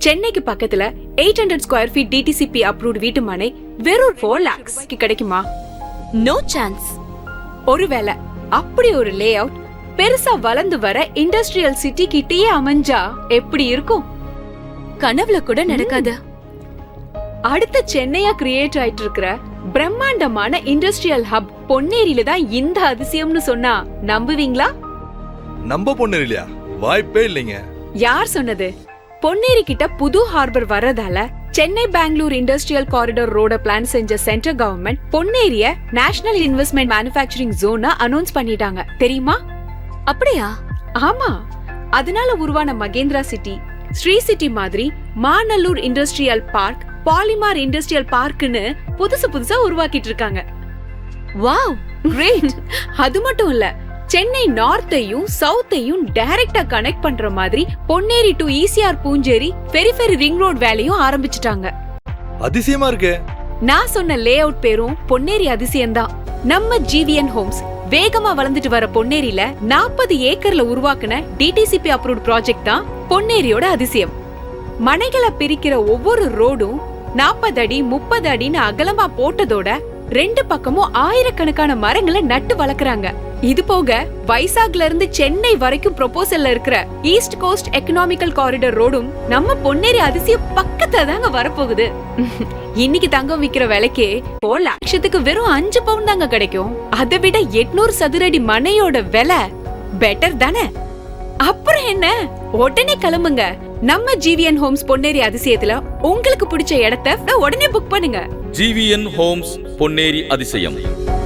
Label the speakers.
Speaker 1: சென்னைக்கு பக்கத்துல 800 square feet DTCP approved வீட்டு மனை வெறும் 4 lakhs கிடைக்குமா?
Speaker 2: No chance.
Speaker 1: ஒருவேளை அப்படி ஒரு லே அவுட் பெருசா வளர்ந்து வர இண்டஸ்ட்ரியல் சிட்டி கிட்டயே அமைஞ்சா எப்படி இருக்கும்?
Speaker 2: கனவுல கூட நடக்காது.
Speaker 1: அடுத்த சென்னையா கிரியேட் ஆயிட்டு இருக்கிற பிரம்மாண்டமான இண்டஸ்ட்ரியல் ஹப் பொன்னேரியில தான் இந்த அதிசயம்னு சொன்னா நம்புவீங்களா?
Speaker 3: நம்ப பொன்னேரியா? வாய்ப்பே இல்லைங்க.
Speaker 1: யார் சொன்னது? பொன்னேரி கிட்ட புது ஹார்பர் வர்றதால சென்னை பெங்களூர் இண்டஸ்ட்ரியல் காரிடார் ரோட பிளான் செஞ்ச சென்ட்ரல் கவர்மெண்ட் பொன்னேரிய நேஷனல் இன்வெஸ்ட்மெண்ட் மேனுஃபேக்சரிங் ஜோனா அனௌன்ஸ் பண்ணிட்டாங்க, தெரியுமா?
Speaker 2: அப்படியா?
Speaker 1: ஆமா. அதனால உருவான மகேந்திரா சிட்டி, ஸ்ரீ சிட்டி மாதிரி Manallur industrial park, polymer industrial பார்க்னு புதுசா உருவாக்கிட்டு இருக்காங்க.
Speaker 2: Wow,
Speaker 1: great. அது மட்டும் இல்ல, சென்னை நார்த்தையும் சவுத்தையும் டைரக்டா கனெக்ட் பண்ற மாதிரி Ponneri to ECR Poonjeri periphery ring road வேலையும் ஆரம்பிச்சிட்டாங்க.
Speaker 3: அதிசயமா இருக்கு.
Speaker 1: நான் சொன்ன லே அவுட் பேரும் பொன்னேரி அதிசயம்தான். நம்ம ஜிவிஎன் ஹோம்ஸ் வேகமா வளர்ந்துட்டு வர பொன்னேரியில 40 ஏக்கர்ல உருவாக்குன டிடிசிபி அப்ரூவ்ட் ப்ராஜெக்ட் தான் பொன்னேரியோட அதிசயம். மனைகளை பிரிக்கிற ஒவ்வொரு ரோடும் 40 அடி 30 அடின்னு அகலமா போட்டதோட 2 பக்கமும் ஆயிரக்கணக்கான மரங்களை நட்டு வளர்க்கறாங்க. இது போக வைசாக்ல இருந்து சென்னை வரைக்கும் ப்ரொபோசல்ல இருக்கிற ஈஸ்ட் கோஸ்ட் எக்கனாமிக்கல் காரிடார் ரோடும் நம்ம பொன்னேரி அதிசயம் பக்கத்துல தாங்க வரப்போகுது. இன்னைக்கு தங்கம் விக்கிற விலைக்கே 4 லட்சத்துக்கு வெறும் 5 பவுன் தாங்க கிடைக்கும். அதை விட 800 சதுரடி மனையோட விலை பெட்டர் தானே? அப்புறம் என்ன, உடனே கிளம்புங்க. நம்ம ஜிவிஎன் ஹோம்ஸ் பொன்னேரி அதிசயத்துல உங்களுக்கு பிடிச்ச இடத்தை உடனே புக் பண்ணுங்க.
Speaker 4: ஜிவிஎன் ஹோம்ஸ் பொன்னேரி அதிசயம்.